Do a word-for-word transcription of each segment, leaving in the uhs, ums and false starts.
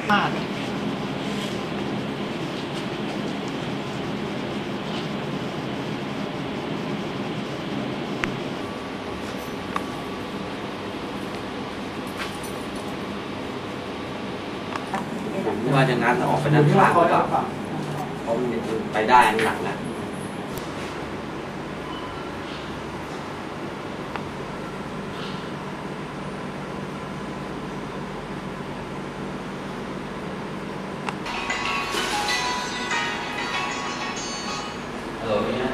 พลาดว่าอย่างนั้นออกไปด้านข้างก็เขาไปได้หนักนะฮัลโหลเนี่ย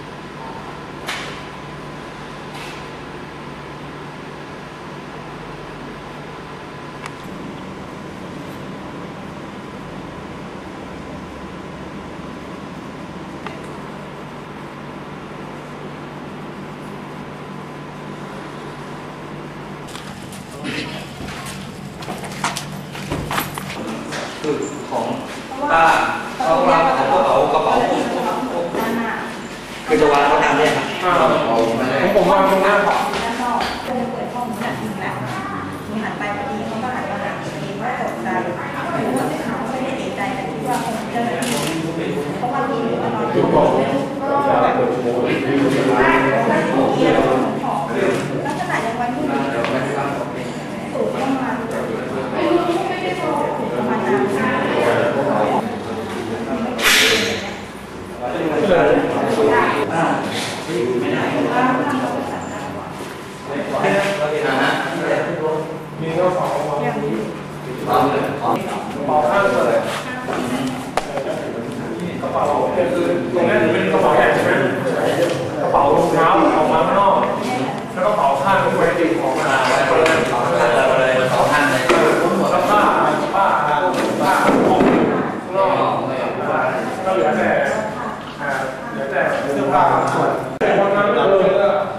คือของป้าเขาวางของกระเป๋ากระเป๋าคือจะวางเขาทำเนี่ยครับผมผมวางตรงหน้าขอบด้านนอกเพื่อเปิดห้องหนักจริงแหละมีหันไปพอดีเขาก็หันมาหาพอดีว่าตกใจหรือว่าเขาไม่ได้เสียใจแต่ที่ว่าคงเจ้าหน้าที่เพราะว่ามีหรือว่านอนอยู่ก็แบบลักษณะอย่างวันที่สูงประมาณประมาณนั้นไม่ได้มีกระเป๋าวางนี้กระเป๋าข้างเลยกระเป๋าคือตรงนี้เป็นกระเป๋าใหญ่ใช่ไหมกระเป๋ารองเท้าออกมาข้างนอกแล้วก็กระเป๋าข้างไว้ติดของมาไว้เลยกระเป๋าข้างเลยกระเป๋าข้างเลยแล้วผ้าผ้าผ้าของข้างนอกก็เหลือแต่เหลือแต่เสื้อผ้าส่วนแต่วันนั้นเราเลย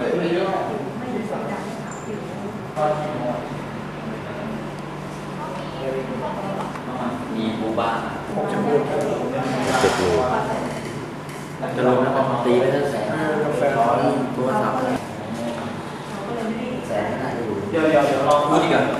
มีบูบ้าเจ็ดโลจะลงแล้วก็ตีไปตั้งแสนร้อยตัวสับแสนน่าจะอยู่เดี๋ยวเดี๋ยวเดี๋ยวลองพูดอีกอ่ะ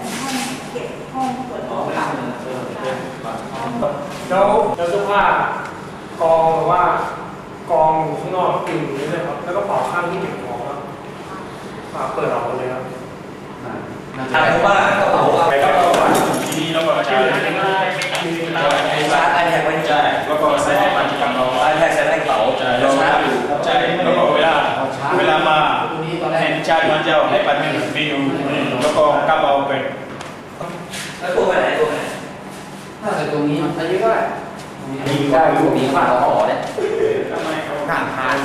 แล้วแล้วเสื้อผ้ากองหรือว่ากองอยู่ข้างนอกกลิ่นนี่เลยครับแล้วก็เป่าข้างที่เก็บของครับเปิดออกมาเลยครับใช่เพราะว่ากระเป๋าไปก็กระเป๋าทีนี้เราก็ใช้ไอ้ชาร์จไอแท็กไว้ใช่แล้วก็ใส่ในปัจจุบันเราไอแท็กใส่ในกระเป๋าใช่เราชาร์จอยู่ใช่แล้วก็เวลาเวลามาเห็นชาร์จมันจะให้ปัจจุบันเมนูแล้วก็กระเป๋าเป็นแล้วตัวไปไหนตัวไปไหนถ้าใส่ตรงนี้อายุเท่าไหร่มีได้อยู่มีฝาห่อเนี่ยทำไมเขาห่างทาน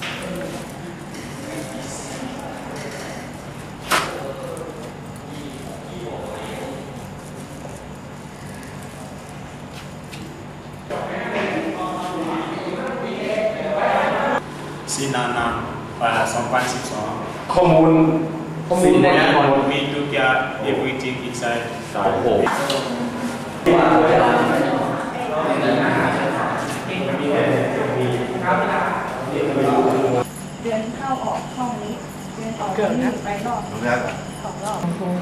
ซีนานันปาสองพันสิบสองข้อมูลข้อมูลในนั้นมีทุกอย่าง everything inside โอ้โหเดินเข้าออกห้องนี้เดินออกนี้ไปรอบสองรอบ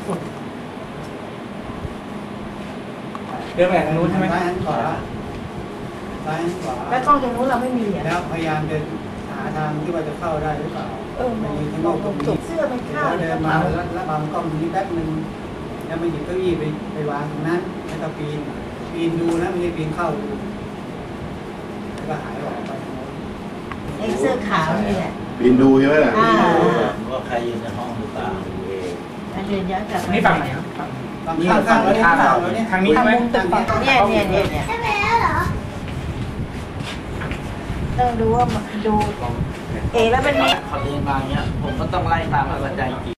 เดินไปทางนู้นใช่ไหมซ้ายขวาซ้ายขวาแล้วช่องตรงนู้นเราไม่มีอ่ะแล้วพยายามเดินหาทางที่ว่าจะเข้าได้หรือเปล่าเออมันมีข้างนอกตรงนี้เสื้อมันข้าวเดินมาแล้วแล้วบางกล้องนี้แป๊บนึงแล้วมาหยิบเก้าอี้ไปไปวางตรงนั้นแล้วก็ปีนปีนดูนะไม่ใช่ปีนเข้าดูแล้วก็หายออกไปไอ้เสื้อขาวนี่แหละปีนดูใช่ไหมล่ะว่าใครอยู่ในห้องหรือเปล่าเดินย้อนกลับนี่ฝั่งไหนครับฝั่งนี้ฝั่งนี้ฝั่งนี้ทางนี้ใช่ไหมเนี่ยเนี่ยเนี่ยเนี่ยใช่ไหมเหรอต้องดูว่าดูเอแล้วมันมีเขาเดินมาเนี้ยผมก็ต้องไล่ตามอาจารย์